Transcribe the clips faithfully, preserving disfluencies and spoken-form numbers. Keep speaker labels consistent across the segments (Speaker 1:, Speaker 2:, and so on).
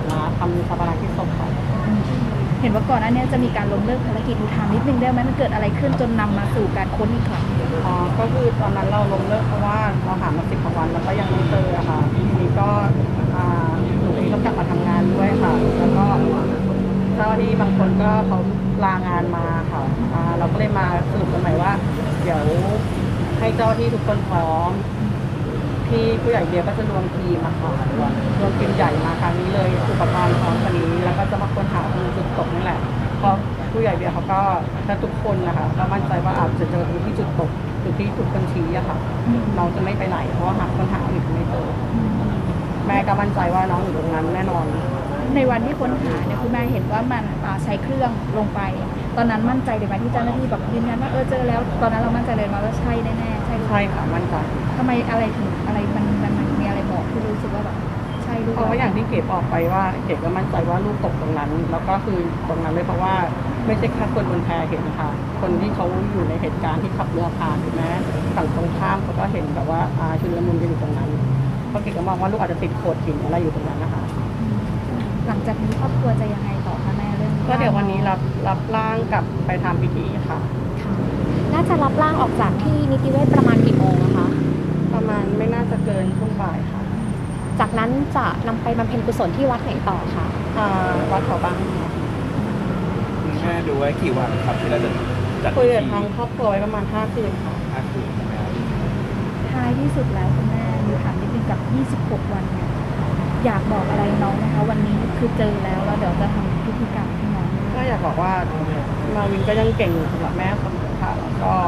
Speaker 1: มาทำชาปนกิจศพค่ะ
Speaker 2: เห็นว่าก่อนหน้านี้จะมีการล้มเลิกภารกิจถามนิดนึงได้ไหมมันเกิดอะไรขึ้นจนนำมาสู่การค้นอีกครั้ง
Speaker 1: อ๋อก็คือตอนนั้นเราล้มเลิกเพราะว่าเราหามาสิบกว่าวันแล้วก็ยังไม่เจออะค่ะทีนี้ก็อ่าหนูเองก็กลับมาทำงานด้วยค่ะแล้วก็เจ้าหน้าที่บางคนก็เขาลางานมาค่ะอ่าเราก็เลยมาสรุปกันใหม่ว่าเดี๋ยวให้เจ้าหน้าที่ทุกคนพร้อมที่ผู้ใหญ่เบียร์ก็จะรวมทีมอะค่ะรวมทีมใหญ่มาครั้งนี้เลยอุปกรณ์พร้อมกันนี้แล้วก็จะมาค้นหาตรงจุดตกนี่แหละเพราะผู้ใหญ่เบียร์เขาก็ถ้าทุกคนนะคะก็มั่นใจว่าอาจจะเจอที่จุดตกจุดที่ถูกคนชี้อะค่ะน้องจะไม่ไปไหนเพราะว่าหาคนหาอยู่ไม่เจอแม่ก็มั่นใจว่าน้องอยู่ตรงนั้นแน่นอน
Speaker 2: ในวันที่ค้นหาเนี่ยคุณแม่เห็นว่ามันใช้เครื่องลงไปตอนนั้นมั่นใจเลยไหมที่เจ้าหน้าที่แบบยืนยันว่าเออเจอแล้วตอนนั้นเรามั่นใจเลยมาว่าใช่แน่ๆใช่
Speaker 1: ใช่ค่ะมั่นใจ
Speaker 2: ทำไมอะไรถึงอะไรมันมันมันมีอะไรบอกที่รู้สึกว่าแบบใช่ลูก
Speaker 1: เพราะว่าอย่างที่เก๋บอกไปว่าเก๋ก็มั่นใจว่าลูกตกตรงนั้นแล้วก็คือตรงนั้นเลยเพราะว่าไม่ใช่แค่คนบนแพเห็นค่ะคนที่เขาอยู่ในเหตุการณ์ที่ขับเรือผ่านถูกไหมฝั่งตรงข้ามเขาก็เห็นแบบว่าอาชุลมุนกันอยู่ตรงนั้นเพราะเก๋ก็มองว่าลูกอาจจะติดโขดหินอะไรอยู่ตรงนั้นนะคะ
Speaker 2: หลังจากนี้ครอบครัวจะยังไงต่อคะแม่เรื่อง
Speaker 1: ก็เดี๋ยววันนี้รับรับร่างกลับไปทำพิธีค่ะ
Speaker 3: น่าจะรับร่างออกจากที่นิติเวชประมาณกี่โมงนะคะ
Speaker 1: ประมาณไม่น่าจะเกินช่วงบ่ายค่ะ
Speaker 3: จากนั้นจะนำไปบำเพ็ญกุศลที่วัดไหนต่อคะ
Speaker 1: วัดเขาบางค่ะ
Speaker 4: แม่ดูไว้กี่วันครับที่เราจะจัด
Speaker 1: คุยกับทางครอบครัวไว้ประมาณห้าคืนค่ะ
Speaker 4: ห้าคืนใช่ไหมครับ
Speaker 2: ท้ายที่สุดแล้วคุณแม่มีถามนิดนึงกับยี่สิบหกวันเนี่ยอยากบอกอะไรน้องนะคะวันนี้คือเจอแล้วแล้วเดี๋ยวจะทำพิธีกรรมให้น้อง
Speaker 1: ก็อยากบอกว่ามาวินก็ยังเก่งสำหรับแม่เสมอค่ะแล้วก็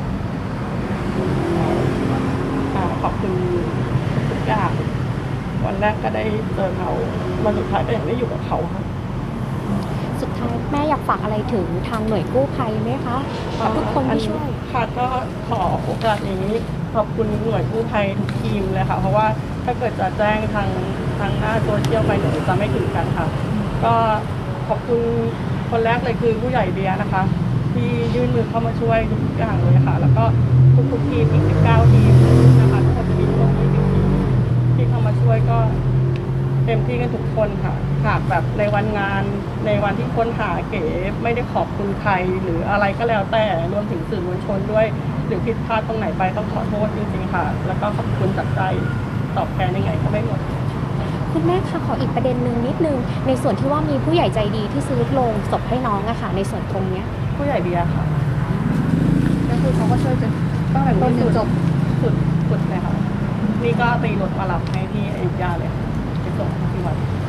Speaker 1: ขอบคุณทุกอย่างวันแรกก็ได้เจอเขาวันสุดท้ายก็ยังได้อยู่กับเขาค่ะ
Speaker 3: สุดท้ายแม่อยากฝากอะไรถึงทางหน่วยกู้ภัยไหมคะกับทุกคนที่ช่วย
Speaker 1: ค่ะก็ขอโอกาสนี้ขอบคุณหน่วยกู้ภัยทุกทีมเลยค่ะเพราะว่าถ้าเกิดจะแจ้งทางทางหน้าโซเชียลไปหนูจะไม่ถึงกันค่ะก็ขอบคุณคนแรกเลยคือผู้ใหญ่เบียร์นะคะที่ยื่นมือเข้ามาช่วยทุกอย่างเลยค่ะแล้วก็ทุกๆทีมอีกสิบเก้าทีมนะคะทุกคนจะมีร่วมยี่สิบทีมที่เข้ามาช่วยก็เต็มที่กันทุกคนค่ะหากแบบในวันงานในวันที่ค้นหาเก๋ไม่ได้ขอบคุณใครหรืออะไรก็แล้วแต่รวมถึงสื่อมวลชนด้วยหรือผิดพลาดตรงไหนไปต้องขอโทษจริงๆค่ะแล้วก็ขอบคุณจากใจตอบแทนยังไงก็ไม่หมด
Speaker 3: คุณแม่คะขออีกประเด็นหนึ่งนิดนึงในส่วนที่ว่ามีผู้ใหญ่ใจดีที่ซื้อโลงศพให้น้องอะค่ะในส่วนตรงเนี้ย
Speaker 1: ผู้ใหญ่เบียร์ค่ะ
Speaker 2: ก็คือเขาก็ช่วยจนตั้งแต่ต้นจนจบ
Speaker 1: สุดสุดเลยค่ะนี่ก็ตีรถมารับให้ที่อยุธยาเลยไปส่งที่วัด